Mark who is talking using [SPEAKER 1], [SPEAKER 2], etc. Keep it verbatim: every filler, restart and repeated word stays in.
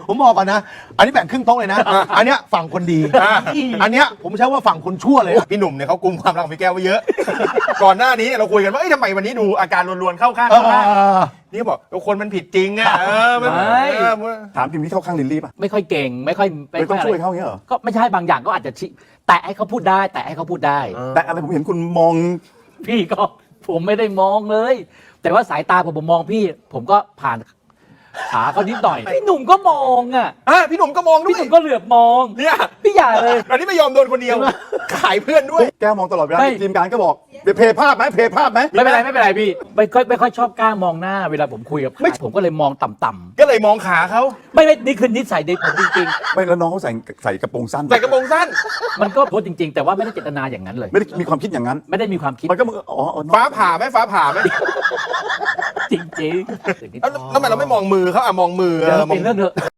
[SPEAKER 1] ผมบอกก่อนนะ อันนี้แบ่งครึ่งโต๊ะเลยนะ อันเนี้ยฝั่งคนดี อันเนี้ยผมใช้ว่าฝั่งคนชั่วเลย
[SPEAKER 2] พี่หนุ่มเนี่ยเขากุมความรักของพี่แก้วไว้เยอะ ก่อนหน้านี้เราคุยกันว่าเอ้ยทำไมวันนี้ดูอาการรวนๆเข้าข้าง
[SPEAKER 1] เอ
[SPEAKER 2] เข้าข้าง
[SPEAKER 1] อ
[SPEAKER 2] นี่บอกคนมันผิดจริงอ่ะเออมัน
[SPEAKER 3] ไม่
[SPEAKER 2] เออ
[SPEAKER 4] ถามจริงที่เข้าข้างลิลลี่ป่ะ
[SPEAKER 3] ไม่ค่อยเก่งไม่ค่อย
[SPEAKER 4] ไม่ต้อง
[SPEAKER 3] ค่ะ
[SPEAKER 4] ช่วย
[SPEAKER 3] ไร
[SPEAKER 4] เขาอย่างเงี้ยเหรอ
[SPEAKER 3] ก็ไม่ใช่บางอย่างก็อาจจะชิแตะให้เขาพูดได้ แต่ให้เขาพูดได้
[SPEAKER 4] แต่อะไรผมเห็นคุณมอง
[SPEAKER 3] พี่ก็ผมไม่ได้มองเลย แต่ว่าสายตาผมผมมองพี่ ผมก็ผ่านขาเขานิดหน่อยพี่หนุ่มก็มองอ่ะ
[SPEAKER 2] อ่ะพี่หนุ่มก็มองด้ว
[SPEAKER 3] พี่
[SPEAKER 2] ย
[SPEAKER 3] หนุ่มก็เหลือบมอง
[SPEAKER 2] เนี่ย
[SPEAKER 3] พี่อย่าเลย
[SPEAKER 2] อันนี้ไม่ยอมโดนคนเดียว ขายเพื่อนด้วย
[SPEAKER 4] แก้วมองตลอดเวลา
[SPEAKER 3] ไม่
[SPEAKER 4] ทีมงานก็บอกเพย์ภาพไหมเพย์ภาพไหม
[SPEAKER 3] ไม่เป็นไรไม่เป็นไรพี่ไม่ค่อยไม่ค่อยชอบกล้ามองหน้าเวลาผมคุยกับใครผมก็เลยมองต่ำ
[SPEAKER 2] ก็เลยมองขาเขา
[SPEAKER 3] ๆไม่ไม่นี่คือนิสัยเด็กผมจริง
[SPEAKER 4] ไม่แล้วน้องเขาใส่ใส่กระโปรงสั้น
[SPEAKER 2] ใส่กระโปรงสั้น
[SPEAKER 3] ๆ มันก็โพสต์จริง ๆ แต่ว่าไม่ได้เจตนาอย่างนั้นเลย
[SPEAKER 4] ไม่ได้มีความคิดอย่างนั้น
[SPEAKER 3] ไม่ได้มีความคิด
[SPEAKER 4] มันก็มึงอ๋ออ๋อน้อง
[SPEAKER 2] ฟ้าผ่าไหมฟ้าผ่าไหม
[SPEAKER 3] จริงๆ
[SPEAKER 2] แล้วแล้วทำไมเราไม่มองมือเขาอ่ะมองมือ
[SPEAKER 3] เดี๋ยว
[SPEAKER 2] เออม
[SPEAKER 3] เป็
[SPEAKER 2] อง
[SPEAKER 3] นเรื่องเถอะ